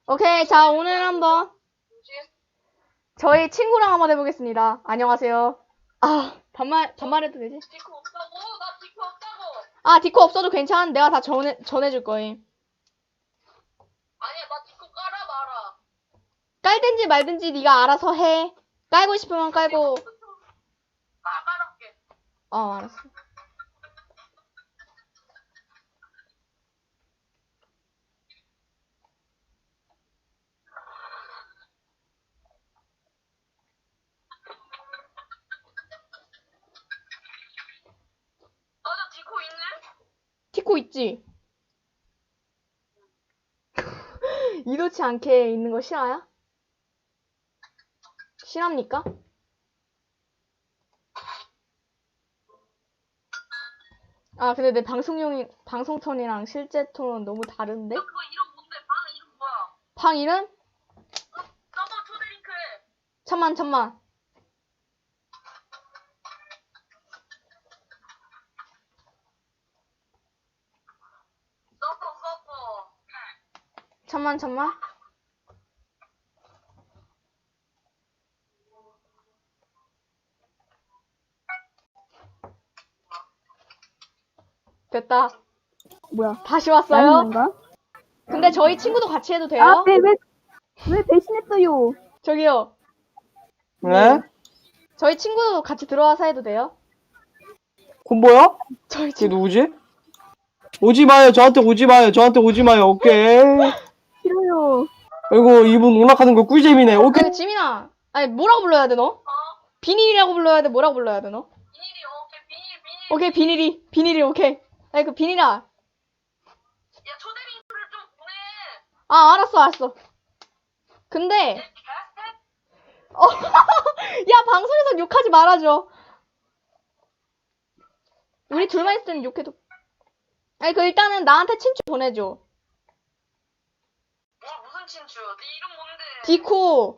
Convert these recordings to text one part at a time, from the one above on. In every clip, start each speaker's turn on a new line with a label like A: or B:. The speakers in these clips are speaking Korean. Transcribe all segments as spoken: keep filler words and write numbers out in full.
A: 오케이, 자, 오늘 한번 저희 친구랑 한번 해보겠습니다. 안녕하세요. 아, 반말, 반말해도 되지?
B: 디코 없다고? 나 디코 없다고!
A: 아, 디코 없어도 괜찮. 내가 다 전해, 전해줄 거임.
B: 아니야, 나 디코 깔아 말아.
A: 깔든지 말든지 네가 알아서 해. 깔고 싶으면 깔고.
B: 나 깔았게.
A: 어, 알았어.
B: 맞아, 디코 있네?
A: 디코 있지? 이렇지 않게 있는 거 싫어요? 싫합니까? 아, 근데 내 방송용이, 방송 톤이랑 실제 톤은 너무 다른데?
B: 야, 그거 이름 뭔데? 방 이름 뭐야?
A: 방 이름?
B: 서버 초대 링크 해.
A: 천만, 천만.
B: 서버, 서버.
A: 천만, 천만. 됐다.
C: 뭐야?
A: 다시
C: 나는
A: 왔어요.
C: 건가?
A: 근데 저희 친구도 같이 해도 돼요?
C: 아, 왜, 왜, 왜 배신했어요?
A: 저기요.
D: 네?
A: 저희 친구도 같이 들어와서 해도 돼요?
D: 콤보요?
A: 저희
D: 이게
A: 친구.
D: 누구지? 오지 마요. 저한테 오지 마요. 저한테 오지 마요. 오케이.
C: 싫어요.
D: 아이고 이분 오락하는 거 꿀잼이네. 오케이.
A: 그 지민아. 아니, 뭐라고 불러야 돼, 너?
B: 어?
A: 비닐이라고 불러야 돼, 뭐라고 불러야 돼, 너?
B: 비닐이, 오케이, 비닐, 비닐.
A: 오케이, 비닐이. 비닐이, 오케이. 아니, 그 비닐아.
B: 야, 초대 링크를 좀 보내.
A: 아, 알았어, 알았어. 근데,
B: 내 개새?
A: 어, 야, 방송에서 욕하지 말아줘. 우리 둘만 있을 때는 욕해도. 아니, 그 일단은 나한테 친추 보내줘.
B: 뭘 무슨 친추? 네 이름 뭔데?
A: 디코.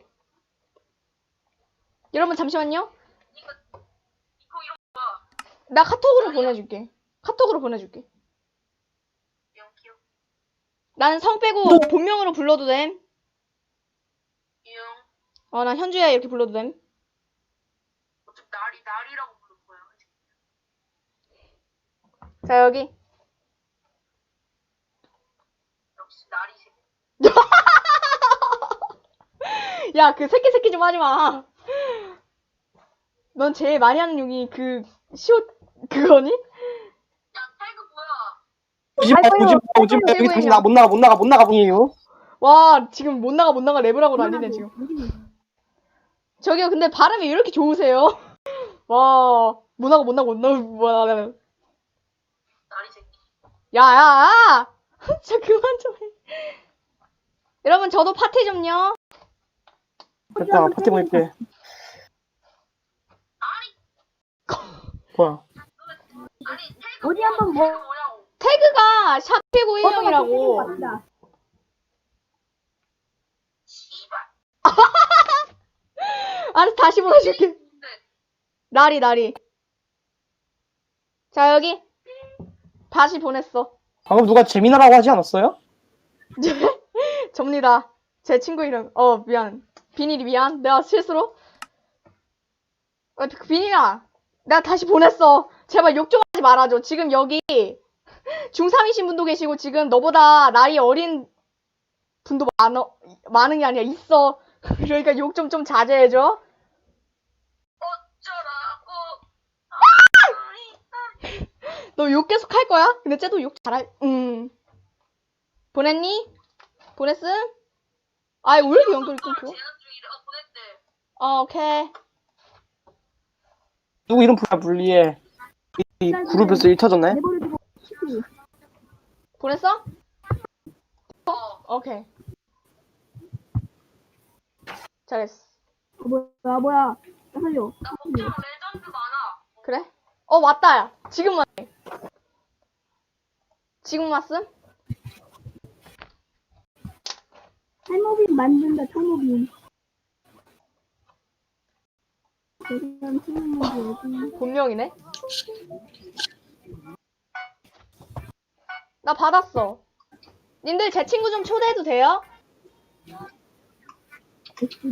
A: 여러분, 잠시만요.
B: 이거, 디코 이름 뭐야?
A: 나 카톡으로 보내줄게. 카톡으로 보내줄게.
B: 영 귀여워.
A: 나는 성 빼고 본명으로 불러도 됨.
B: 이영.
A: 어, 난 현주야 이렇게 불러도 됨.
B: 어차피 날이, 날이라고 부를 거야.
A: 자, 여기.
B: 역시 날이 새.
A: 야, 그 새끼 새끼 좀 하지 마. 넌 제일 많이 하는 욕이 그 시옷 그거니?
B: 야, 태그 뭐야?
D: 오지 마. 오지 마. 오지 마. 여기 다시 나 못 나가 못 나가 못 나가 분이에요.
A: 와, 지금 못 나가 못 나가 랩을하고 난리네 지금. 저기요, 근데 발음이 왜 이렇게 좋으세요? 와, 못 나가 못 나가 못 나가 못 나가.
B: 날이 새끼.
A: 야, 야, 야! 진짜 그만 좀 해. 여러분, 저도 파티 좀요.
D: 됐다. 파티 보낼게. 뭐야?
B: 아니, 태그
C: 어디 한번 뭐,
B: 태그 뭐냐고.
A: 태그가 샵 일구일영이라고.
C: 맞다.
B: 씨발.
A: 알았어, 다시 보내줄게. 나리, 나리. 자, 여기. 다시 보냈어.
D: 방금 누가 재미나라고 하지 않았어요?
A: 접니다. 제 친구 이름. 어, 미안. 비닐이 미안. 내가 실수로. 어, 그 비닐아. 내가 다시 보냈어. 제발 욕 좀 하지 말아줘. 지금 여기 중삼이신 분도 계시고 지금 너보다 나이 어린 분도 많어, 많은 게 아니라 있어. 그러니까 욕 좀 좀 자제해줘.
B: 어쩌라고.
A: 너 욕 계속 할 거야? 근데 쟤도 욕 잘할, 음. 보냈니? 보냈음? 아이, 왜 이렇게 연결이 끊겨?
B: 재난 중이래. 어, 보냈대.
A: 어, 오케이.
D: 누구 이름 불 불리해. 이, 이 그룹에서 일 터졌네.
C: 내버려두고 싶지.
A: 보냈어?
B: 어.
A: 오케이. 잘했어.
C: 어, 뭐야, 뭐야. 나 살려.
B: 나 목표로 레전드 많아.
A: 그래? 어, 왔다, 야. 지금 왔네. 지금 왔음?
C: 탈모빈 만든다, 탈모빈. 대단 탈모빈.
A: 본명이네? 나 받았어. 님들 제 친구 좀 초대해도 돼요?
C: 에스디.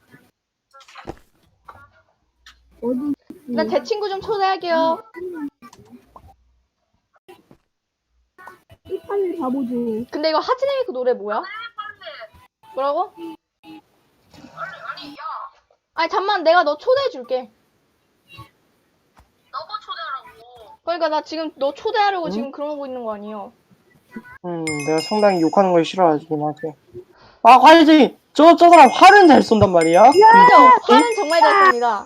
C: 어디
A: 나 제 친구 좀 초대할게요.
C: 이 판을 가보죠.
A: 근데 이거 하즈네미크 노래 뭐야?
B: 빨리
A: 뭐라고?
B: 빨리 아니 야
A: 아니 잠만 내가 너 초대해줄게.
B: 너가 초대하라고.
A: 그러니까 나 지금 너 초대하려고
D: 응?
A: 지금 그러고 있는 거 아니에요?
D: 음, 내가 상당히 욕하는 걸 싫어하긴 하지. 아, 화이팅! 저, 저 사람 활은 잘 쏜단 말이야?
A: 그죠? 화는 정말 잘 씁니다.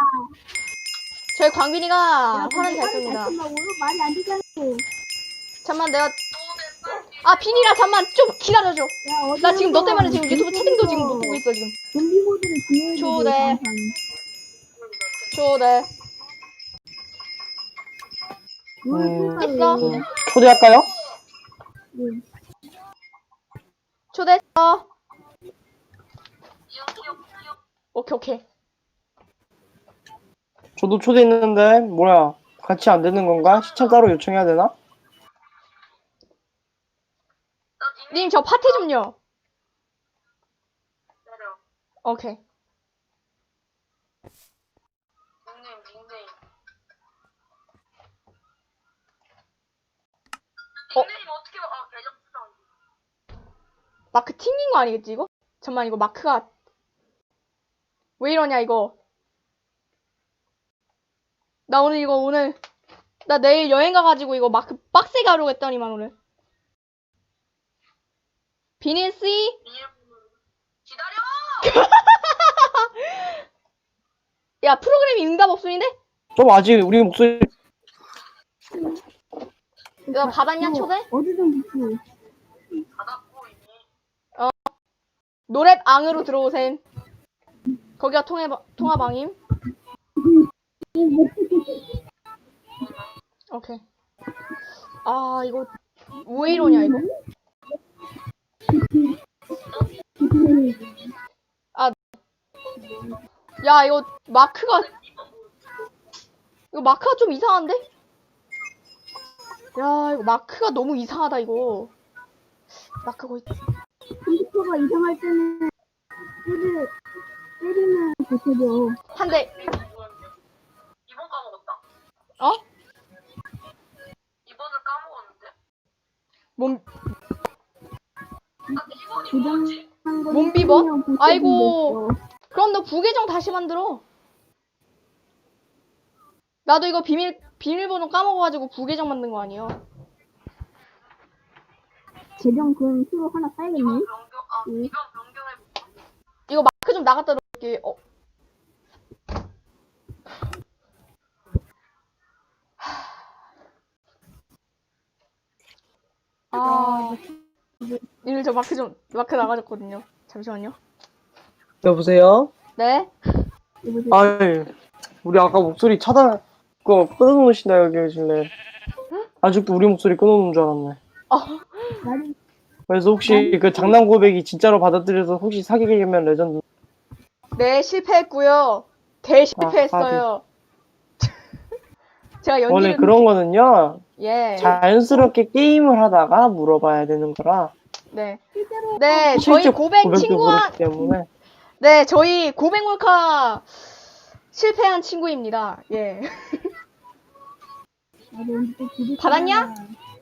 A: 저희 광빈이가 화는 잘 씁니다.
C: 쓴다고요? 말이 안 되잖아요.
A: 잠만 내가
B: 초대 빨리.
A: 아 비니라 잠만 좀 기다려줘.
C: 야,
A: 나 지금 너 때문에 지금
C: 어디서
A: 유튜브 채팅도 지금 못 보고 있어 지금.
C: 좀비 모드를 진행해야 돼.
A: 초대. 초대.
D: 음.
A: 됐어.
D: 음, 초대할까요?
C: 네.
A: 초대했어.
B: 기억 기억 기억.
A: 오케이 오케이.
D: 저도 초대했는데, 뭐야. 같이 안 되는 건가? 시청 따로 요청해야 되나?
B: 나 닉네임
A: 님 저 파티 좀요.
B: 내려.
A: 오케이.
B: 닉네임 닉네임.
A: 어?
B: 닉네임 어떻게 봐? 아 계정 수정.
A: 마크 튕긴 거 아니겠지 이거? 잠만 이거 마크가 왜 이러냐 이거. 나 오늘 이거 오늘 나 내일 여행 가가지고 이거 마크 빡세게 하려고 했더니만 오늘. 비닐씨?
B: 비밀번호. 기다려.
A: 야 프로그램이 응답 없음인데?
D: 좀 아직 우리 목소리,
A: 야 받았냐 초대?
C: 어디든 붙고.
B: 받았고 이미.
A: 노랩 앙으로 들어오셈. 거기가 통해 통화방임. 오케이. 아 이거 왜 이러냐 이거. 야 이거 마크가 이거 마크가 좀 이상한데? 야 이거 마크가 너무 이상하다 이거. 마크 거의
C: 컴퓨터가 이상할 때는 때리, 때리면 고쳐져.
A: 한 대.
B: 이번 까먹었다.
A: 어?
B: 이번을 까먹었는데.
A: 몸
B: 아 이번이 뭐지?
C: 고장난 거
A: 몸 비버?
C: 때리면 고쳐진댔어.
A: 아이고. 그럼 너 부계정 다시 만들어. 나도 이거 비밀 비밀번호 까먹어가지고 부계정 만든 거 아니야.
C: 계정 그럼 새로 하나 사야겠네.
B: 이번 변경 아
C: 응.
B: 이번 변경해 볼까?
A: 이거 마크 좀 나갔다 놓을게. 어. 아, 이늘 저 마크 좀 마크 나가졌거든요. 잠시만요.
D: 여보세요?
A: 네?
C: 여보세요?
D: 아이, 우리 아까 목소리 차단, 그거 끊어놓으신다, 여기 계실래. 아직도 우리 목소리 끊어놓은 줄 알았네.
A: 어,
C: 말이
D: 그래서 혹시 그 장난 고백이 진짜로 받아들여서 혹시 사귀게 되면 레전드.
A: 네 실패했고요. 대실패했어요. 제가 연기를
D: 원래 그런 거는요,
A: 예.
D: 자연스럽게 게임을 하다가 물어봐야 되는 거라.
A: 네.
C: 실제로
A: 네, 저희
D: 실제
A: 고백
D: 고백도
A: 친구한
D: 그렇기 때문에.
A: 네, 저희 고백 몰카 실패한 친구입니다. 예.
C: 나도 언제 또 기대
A: 받았냐?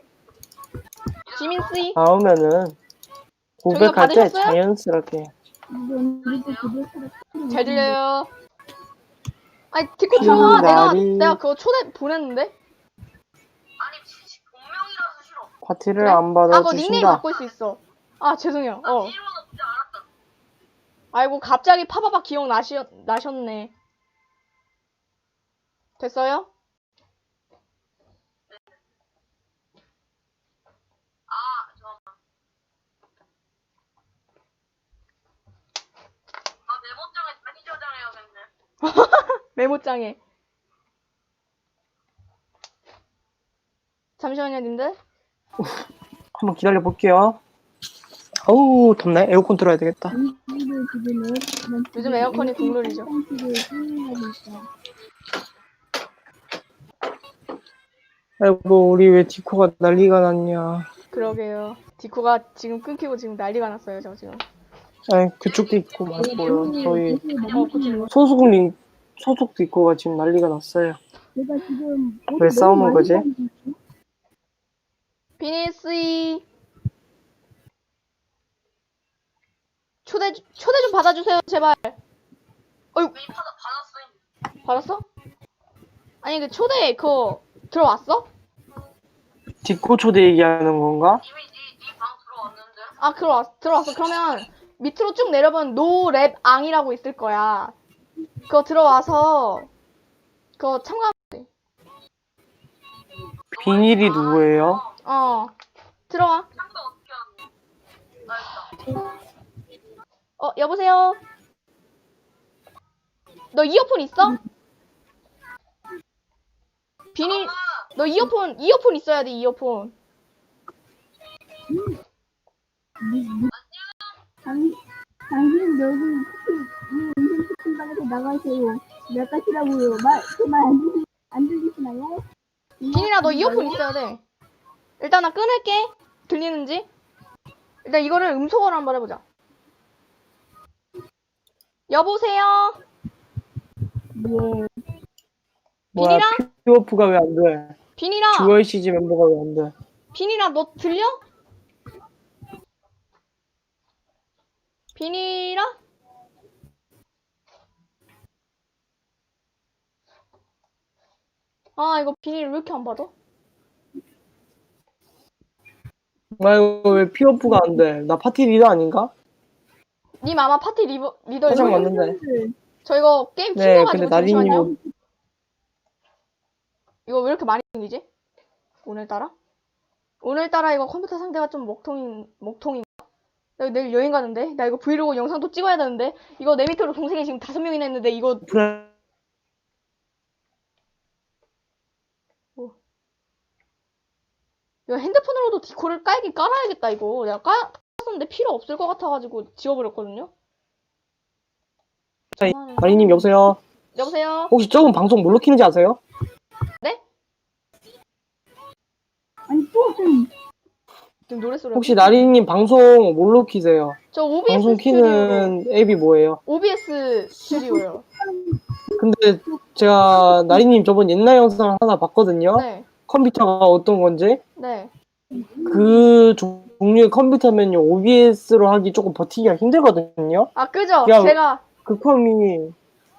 A: 지민 씨.
D: 다음에는 고백할 때
A: 받으셨어요?
D: 자연스럽게.
C: 나도 언제 또 기대
A: 잘 들려요. 아니, 디코 들어와. 내가
D: 날이-
A: 내가 그거 초대 보냈는데.
B: 아니 지- 본명이라서 싫어.
D: 파티를
A: 그래?
D: 안
A: 아, 그거 닉네임
D: 받아주신다.
A: 바꿀 수 있어. 아, 죄송해요.
B: 나
A: 어.
B: 비밀번호 진짜 알았다.
A: 아이고, 갑자기 파바바 기억 나시, 나셨네. 됐어요?
B: 아 잠깐만. 나 메모장에 다시 저장해야겠네.
A: 메모장에. 잠시만요, 님들.
D: 한번 기다려 볼게요. 어우, 덥네. 에어컨 틀어야 되겠다.
A: 요즘 에어컨이 국룰이죠.
D: 아이고, 우리 왜 디코가 난리가 났냐.
A: 그러게요. 디코가 지금 끊기고 지금 난리가 났어요, 저 지금.
D: 아니 그쪽도 있고 맞고요. 저희
A: 어, 그치.
D: 소속님 소속도 있고가 지금 난리가 났어요.
C: 제가 지금
D: 왜 싸우는 거지?
A: 비니씨 초대 초대 좀 받아주세요 제발. 어이
B: 이미 받아 받았어.
A: 받았어? 아니 그 초대 그거 들어왔어?
D: 뒷고 초대 얘기하는 건가?
B: 이미 니니방 들어왔는데.
A: 아 들어왔 들어왔어. 그러면 밑으로 쭉 내려보면 노랩 앙이라고 있을 거야. 그거 들어와서 그거 참가.
D: 비닐이 누구예요?
A: 어 들어와.
B: 참가 어떻게 하는? 나 있다.
A: 어 여보세요. 너 이어폰 있어? 비닐. 너 이어폰 이어폰 있어야 돼 이어폰.
C: 당, 당신 여기 이 인생 채팅방에서 나가세요. 몇 가시라고요. 말, 그말안 들리, 안 들리시나요?
A: 비닐아 너 이어폰 있어야 돼. 일단 나 끊을게. 들리는지. 일단 이거를 음소거로 한번 해보자. 여보세요.
C: 예.
D: 뭐야
A: 비닐아?
D: 피오프가 왜 안 돼?
A: 비닐아.
D: 주얼씨지 멤버가 왜 안 돼?
A: 비닐아 너 들려? 비닐아? 아 이거 비닐 왜 이렇게 안 받아?
D: 아이고 왜 피오프가 안 돼? 나 파티 리더 아닌가?
A: 님 아마 파티 리버, 리더일
D: 화장
A: 거예요.
D: 맞는데.
A: 저 이거 게임
D: 네,
A: 튕겨가지고
D: 근데 나리님이
A: 잠시만요. 이거 왜 이렇게 많이 생기지? 오늘따라? 오늘따라 이거 컴퓨터 상태가 좀 먹통인, 먹통인가? 나 이거 내일 여행 가는데? 나 이거 브이로그 영상도 찍어야 되는데? 이거 내 밑으로 동생이 지금 다섯 명이나 있는데 이거
D: 프레...
A: 이거 핸드폰으로도 디코를 깔긴 깔아야겠다 이거. 내가 깔, 깔았었는데 필요 없을 것 같아가지고 지워버렸거든요?
D: 자,
A: 아,
D: 나리님 여보세요?
A: 여보세요?
D: 혹시 저분 방송 뭘로 키는지 아세요?
A: 네?
C: 아니, 또 좀,
A: 지금 노래소리
D: 혹시 나리님 방송 뭘로 키세요?
A: 저 오비에스
D: 방송
A: 스튜디오
D: 키는 앱이 뭐예요?
A: 오비에스 스튜디오요.
D: 근데 제가 나리님 저번 옛날 영상 하나 봤거든요.
A: 네,
D: 컴퓨터가 어떤 건지.
A: 네.
D: 그 종류의 컴퓨터면요 오비에스로 하기 조금 버티기가 힘들거든요.
A: 아 그죠?
D: 야,
A: 제가
D: 그 컴이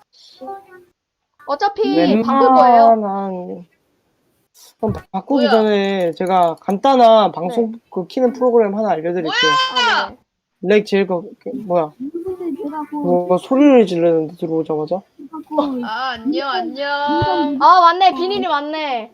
A: 어차피 바꿀 거예요.
D: 웬만한 그럼 바꾸기
B: 뭐야?
D: 전에 제가 간단한 방송
A: 네.
D: 그 키는 프로그램 하나 알려드릴게요.
A: 아, 네네.
D: 렉 제일 거 뭐야?
C: 누군데 제가 그,
D: 뭐 소리를 지르는데 들어오자마자.
C: 그,
B: 아 안녕 안녕.
A: 아 맞네, 비닐이 맞네.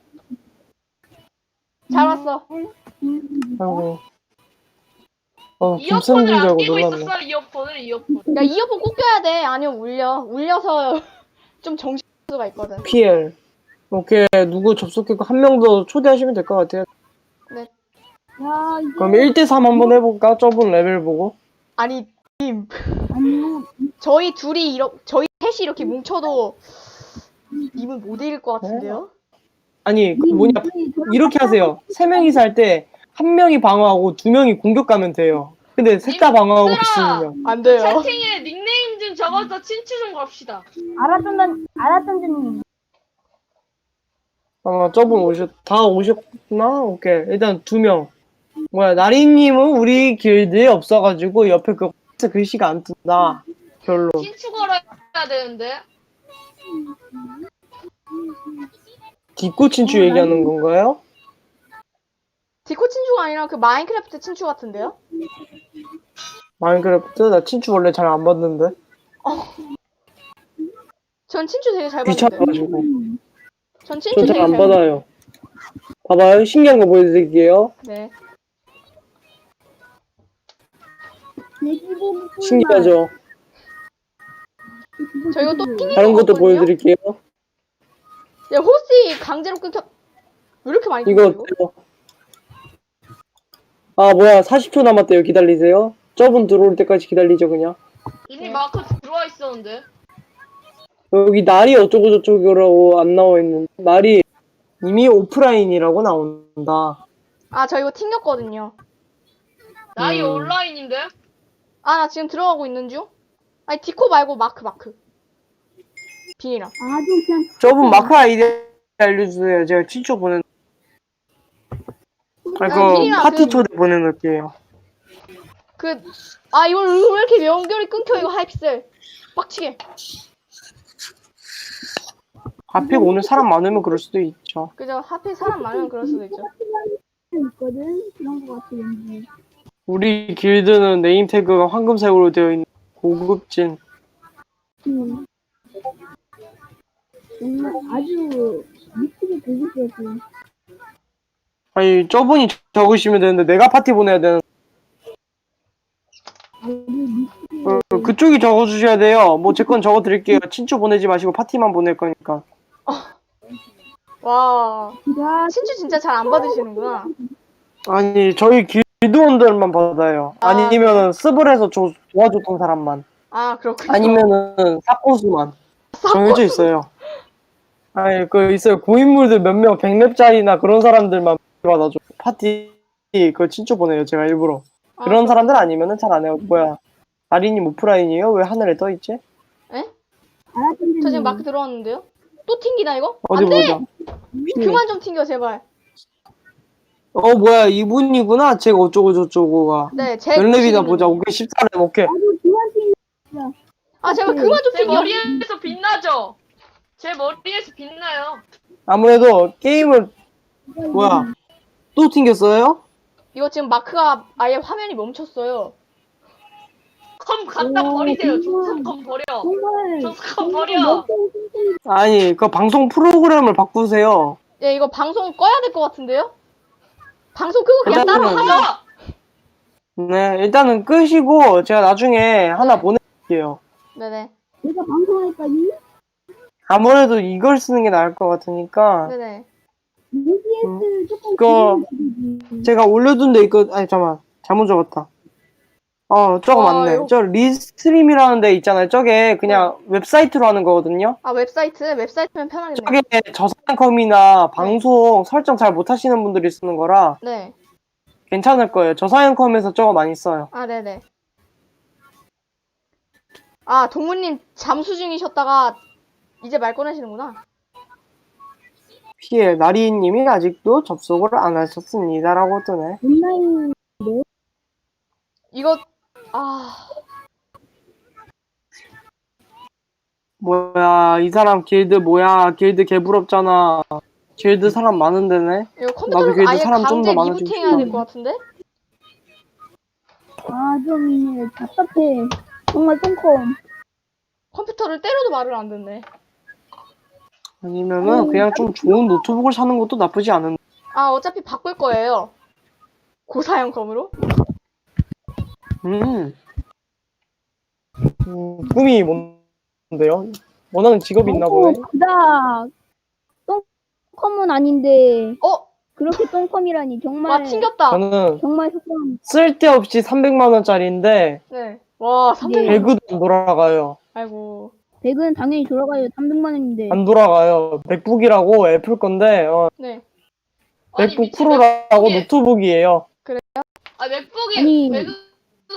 A: 잘 왔어.
D: 아이고. 어
B: 이어폰을
D: 김선진 줄
B: 안
D: 알고
B: 끼고
D: 놀랐네.
B: 있었어 이어폰을 이어폰.
A: 야 이어폰 꼭 껴야 돼. 아니면 울려. 울려서 좀 정신 수가 있거든.
D: 피엘. 오케이 누구 접속했고 한 명 더 초대하시면 될 것 같아요.
A: 네.
C: 야, 이게,
D: 그럼 일 대 삼 한번 해볼까? 저분 레벨 보고.
A: 아니 님,
C: 아니요.
A: 저희 둘이 이렇게 저희 셋이 이렇게 뭉쳐도 님은 못 이길 것 같은데요?
D: 아니 그 뭐냐 이렇게 하세요. 세 명이서 할 때 한 명이 방어하고 두 명이 공격 가면 돼요. 근데 셋 다 방어하고
B: 얘들아!
D: 있으면
A: 안 돼요.
B: 채팅에 닉네임 좀 적어서 친추 좀 갑시다.
C: 알았던 난, 알았던 줄,
D: 아마 저분 오셨 다 오셨구나. 오케이 일단 두 명. 뭐야 나리님은 우리 길드에 없어가지고 옆에 그 글씨가 안 뜬다. 결론.
B: 친추 걸어야 되는데.
D: 뒷고 친추 얘기하는 건가요?
A: 디코 친추가 아니라 그 마인크래프트 친추 같은데요?
D: 마인크래프트 나 친추 원래 잘 안 받는데
A: 전 친추 되게 잘 받는데.
D: 귀찮아가지고
A: 전 친추
D: 전
A: 되게
D: 잘 안
A: 잘
D: 받아요. 봐봐요 신기한 거 보여드릴게요.
A: 네.
D: 신기하죠?
A: 저 이거 또 핑이
D: 다른 것도
A: 거거든요?
D: 보여드릴게요.
A: 야 호시 강제로 끊겨. 왜 이렇게 많이
D: 이거
A: 끊겨
D: 어때요? 아 뭐야 사십 초 남았대요. 기다리세요. 저분 들어올 때까지 기다리죠 그냥.
B: 이미 마크 들어와 있었는데.
D: 여기 날이 어쩌고 저쩌고라고 안 나와 있는데 날이 이미 오프라인이라고 나온다.
A: 아 저 이거 튕겼거든요.
B: 나이
D: 음.
B: 온라인인데.
A: 아, 나 지금 들어가고 있는 중. 아니, 디코 말고 마크, 마크. 비니랑.
C: 아주 그냥
D: 저분 마크 아이디 알려주세요. 제가 친추 보내. 아,
A: 아니,
D: 그
A: 비니랑
D: 파티
A: 그-
D: 초대 보내놓을게요.
A: 그, 아, 이걸 왜 이렇게 연결이 끊겨, 이거 하이픽셀. 빡치게.
D: 하필 오늘 사람 많으면 그럴 수도 있죠.
A: 그죠? 하필 사람 많으면 그럴 수도 있죠.
C: 있거든. 그런 거 같아 왠지.
D: 우리 길드는 네임 태그가 황금색으로 되어 있는 고급진.
C: 음. 정말 아주 미치게 고급스럽고.
D: 아니 저분이 적으시면 되는데 내가 파티 보내야 되는.
C: 아주 미치게.
D: 어, 그쪽이 적어주셔야 돼요. 뭐 제 건 적어드릴게요. 친추 보내지 마시고 파티만 보낼 거니까.
A: 와,
C: 야,
A: 친추 진짜 잘 안 받으시는구나.
D: 아니 저희 길드원들만 받아요.
A: 아,
D: 아니면은 스블에서 조, 도와줬던 사람만.
A: 아, 그렇군요.
D: 아니면은 사코수만 정해져 있어요. 아니 그 있어요. 고인물들 몇 명 백 렙짜리나 그런 사람들만 받아줘. 파티 그 친추 보내요. 제가 일부러.
A: 아,
D: 그런 사람들 아니면은 잘 안 해요. 뭐야? 아린님 오프라인이에요? 왜 하늘에 떠 있지?
C: 알았던데.
A: 저 지금 마크 들어왔는데요? 또 튕기나, 이거?
D: 어디
A: 안 돼!
D: 보자.
A: 그만 좀 튕겨, 제발.
D: 어 뭐야 이분이구나. 제가 어쩌고 저쩌고가.
A: 네, 제
D: 몇 렙이나
A: 구십이
D: 보자.
A: 있는데.
D: 오케이 십사 렙 오케이.
C: 아주 그만큼
A: 아, 제발 그만 좀
B: 제
A: 튕겨.
B: 머리에서 빛나죠? 제 머리에서 빛나요.
D: 아무래도 게임을 뭐야 또 튕겼어요?
A: 이거 지금 마크가 아예 화면이 멈췄어요.
B: 컴 갖다
C: 오,
B: 버리세요.
C: 정말.
B: 조사컴 버려.
C: 정말
B: 조사컴
C: 정말
B: 버려.
C: 멋진 선생님.
D: 아니 그 방송 프로그램을 바꾸세요.
A: 예, 이거 방송 꺼야 될 것 같은데요? 방송 끄고 그냥 따로
D: 일단은-
A: 하자.
B: 하자.
D: 네 일단은 끄시고 제가 나중에 하나
A: 네.
D: 보내드릴게요.
A: 네네.
C: 내가 방송할까지?
D: 아무래도 이걸 쓰는 게 나을 것 같으니까
A: 네네.
C: 유비에스 조금
D: 그거-
C: 기다려주지.
D: 제가 올려둔 데 있거 아니 잠깐만 잘못 적었다. 어 저거
A: 와,
D: 맞네.
A: 이거-
D: 저 리스트림이라는 데 있잖아요. 저게 그냥 웹사이트로 하는 거거든요.
A: 아, 웹사이트? 웹사이트면 편하겠네요.
D: 저게 저사양컴이나 방송 설정 잘 못하시는 분들이 쓰는 거라
A: 네.
D: 괜찮을 거예요. 저사양컴에서 저거 많이 써요.
A: 아, 네네. 아, 동무님 잠수 중이셨다가 이제 말 꺼내시는구나.
D: 피해 나리님이 아직도 접속을 안 하셨습니다라고 뜨네.
C: 온라인
A: 이거, 아,
D: 뭐야 이 사람 길드 뭐야 길드 개부럽잖아. 길드 사람 많은데네.
A: 이거
D: 나도
A: 컴퓨터로
D: 그래도
A: 아예
D: 사람 좀더
A: 강제
D: 많아지고
A: 리부팅 해야 될 것 같은데?
C: 아좀 답답해. 정말 똥컴.
A: 컴퓨터를 때려도 말을 안 듣네.
D: 아니면은 그냥 좀 좋은 노트북을 사는 것도 나쁘지 않은.
A: 아, 어차피 바꿀 거예요. 고사양 컴으로?
D: 음. 음, 꿈이 뭔데요? 원하는 직업이 있나 보네.
C: 그다. 똥컴은 아닌데
A: 어?
C: 그렇게 똥컴이라니 정말
A: 와, 튕겼다.
D: 저는
C: 정말 속상.
D: 쓸데없이 삼백만 원짜리인데
A: 네. 와, 삼백만 원.
D: 배그도 안 돌아가요.
A: 아이고.
C: 백은 당연히 돌아가요. 삼백만 원인데.
D: 안 돌아가요. 맥북이라고 애플 건데 어,
A: 네.
B: 아니,
D: 맥북
B: 미친
D: 프로라고
B: 맥북이-
D: 노트북이에요.
B: 아 맥북이
C: 아니.
B: 맥